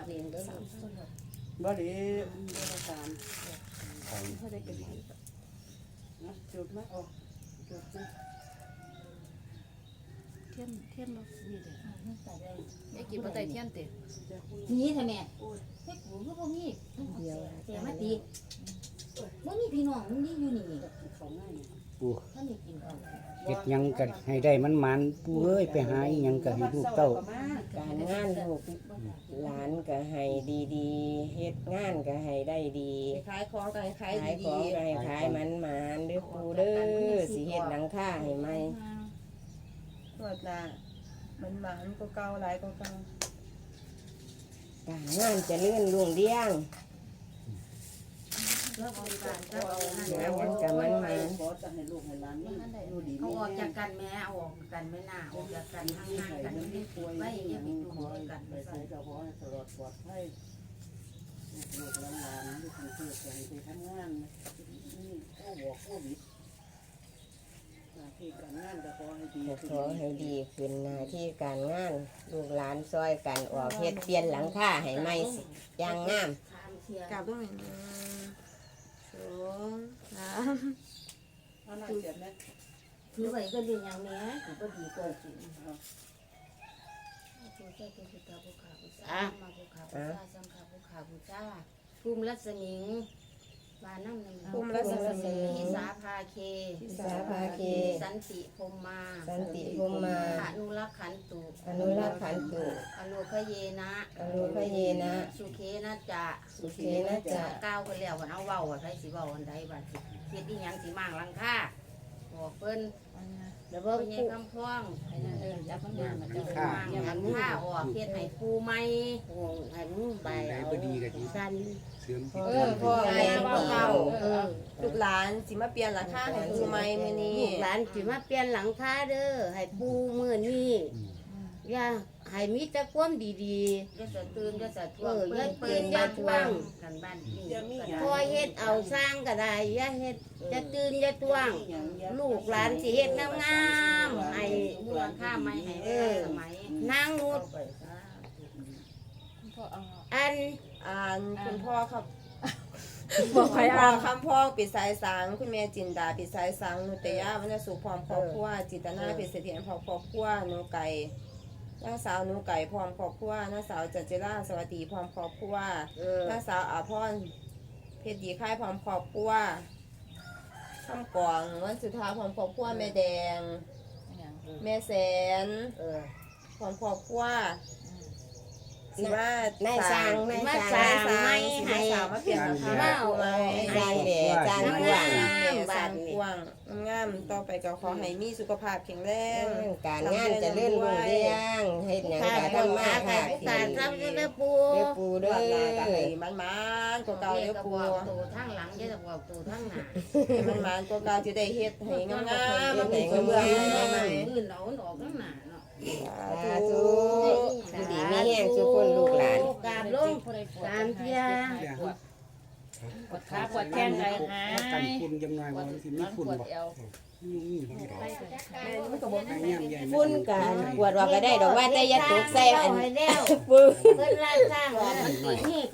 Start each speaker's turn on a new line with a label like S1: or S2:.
S1: เองเด้อ
S2: บ่ดีบ่ตามเขาได้กินนะจุดมาออกจุดนะเทียนมานี่เด้อ
S1: แม่กินบ่ได้เทียนติ
S3: นี่ทำไมเฮ็ดกูคือบ่มีเดียวแต่มาตีบ่มีพี่น้องมึงนี่อยู่นี่
S2: ของง่าย
S4: ปู่
S3: ท่านนี่กินเอา
S4: เฮ็ดหยังก็ให้ได้มันปู่เอ้ยไปหาอีหยังก็ให้ลูกเต้า
S5: การงานลูกหลานก็ให้ดีๆเฮ็ดงานก็ให้ได้ดี
S1: ขายของก็ให้ขาย
S5: ขาย
S1: ดี
S5: ของก็ให้ขายมันเด้อปูเด้อสิเฮ็ดหลังคาให้ใหม่
S1: ๆตัวน่ะมันหมานก็เก่าหลายก็เก่า
S5: การงานเจะเลื่อนรุ่งเรือง
S3: แล้วบริการก็เอานั่น
S5: งานกันกับมัน
S2: ขอจะให้ลูกให้หลานนี่อยู่ดี
S3: เอาออกจากกันแม่เอาออกกันไม่น่าออกจากกันห่างๆกันไม่ป่วยไม่อย่าไปอยู่ด้วยกัน
S2: ไปใส่กระเพาะตลอดปลอดภัยลูกหลานลูกคนเกิดไปทำงานนี่ก็บอกโควิดหน้าที่การงานก็ขอให้ดี
S5: ขอให้ดีขึ้นหน้าที่การงานลูกหลานซอยกันออกเฮ็ดเปลี่ยนหลังคาให้ใหม่อย่างงาม
S1: กลับตรงไหนนะ2 3
S2: เอาหน้าเสียบนะ
S3: ถือไว้ก็ดีอย่างนี้ก็ดีกว่าจริงภูมิรัศมีบ้านน้ำหนึ่ง
S5: ภูมิรัศมี
S3: ทิสาภาเค
S5: สาภาเค
S3: สันติพรมมา
S5: สันติภูมิมา
S3: อนุรักษ์ขันตุ
S5: อนุรักษ์ขันตุ
S3: อโลคเยนะ
S5: อโลคเยนะ
S3: สุเคนะจะ
S5: สุเขนะจะ
S3: ก้าวไปแล้ววันเอาเว้าว่าใครสิเว้าอันใดบัดสิเฮ็ดอีหยังสิมั่งหลังคาบอกเพิ่น
S5: แล้ว
S3: เพิ่
S5: ก็
S3: นยังคำพ้องให้นั่นเด้อจับมันมามันจะมั่งหลังคาออกเฮ็ดให้ปูใหม่ให้มันใบ
S4: ได้
S3: เอา
S4: บ่ดีก็ดี
S3: สั้น
S4: เสริมที่
S5: พ่อแม่เก่า
S1: ลูกหลานสิมาเปลี่ยนหลังคาให้ปูใหม่มื้อนี้
S3: ลูกหลานสิมาเปลี่ยนหลังคาเด้อให้ปูมื้อนี้อย่าให้มีแต่ความดีๆอย่าสะตื่นอย่าสะท่วงอย่าเปื้อนอย่าท่วงกันบ้านนี้พอเฮ็ดเอาสร้างก็ได้อย่าเฮ็ดอย่าตื่นอย่าท่วง ลูกหลานสิเฮ็ดงามๆให้มูลค่าไม่ให้สมัยนางนุชอัน
S1: คุณพ่อครับบอกใครอ่านคำพ้องปิดสายสังคุณแม่จินดาปิดสายสังนุตยาวรรณสุขพร้อมครอบครัวจิตนาปิดเสถียรพร้อมครอบครัวหนูไก่นางสาวหนูไก่พร้อมครอบครัวนางสาวจันจิราสวัสดีพร้อมครอบครัวนางสาวอาพรเพชรดีค่ายพร้อมครอบครัวคำกวางวันสุดท้ายพร้อมครอบครัวแม่แดงแม่แสนพร้อมครอบครัวสิว่าน
S5: ายสร้าง
S3: มาสร้างไม่ให้
S1: สาวมาเปลี่ยนราคา
S3: มา
S1: ปูใหม่
S5: สร้างแด่สร้างกว้าง
S1: สร้างกว้างงามต่อไปก็ขอให้มีสุขภาพแข็งแรง
S5: การงานเจะเลื่อนรุ่งเรืองเฮ็ดหยังก็ทำมาค่ะ
S3: การทำด้วยปู
S5: เด้อปู
S1: ด้
S5: เด้
S1: วย
S5: อ
S1: ก็ให้มันๆกว่าเก่าเด้อปู
S3: ตัวทั้งหลังจะบอกตัวทั้งหน้า
S1: ให้มันๆกว่าเก่าจะได้เฮ็ดให้งามๆมันเป็นกระเบื้องใหม่
S3: อื่นเราออกทั้งหน้าเนาะ
S5: สาธุอยู่ดีมีแห้งทุกคนลูกหลาน
S3: กราบลงตามเที่ย
S4: ปวดขาปวดแข้งได้หายกันฝุ่นจังหน่อยว่าสิมีฝุ่นบ่นี่นี่บ่ได้
S5: ฝุ่นกันปวดว่าก็ได้ดอกว่าแต่อย่าตกใส่อัน
S3: แล้ว
S5: ปื้อ
S3: เพิ่นร้านสร้างนี่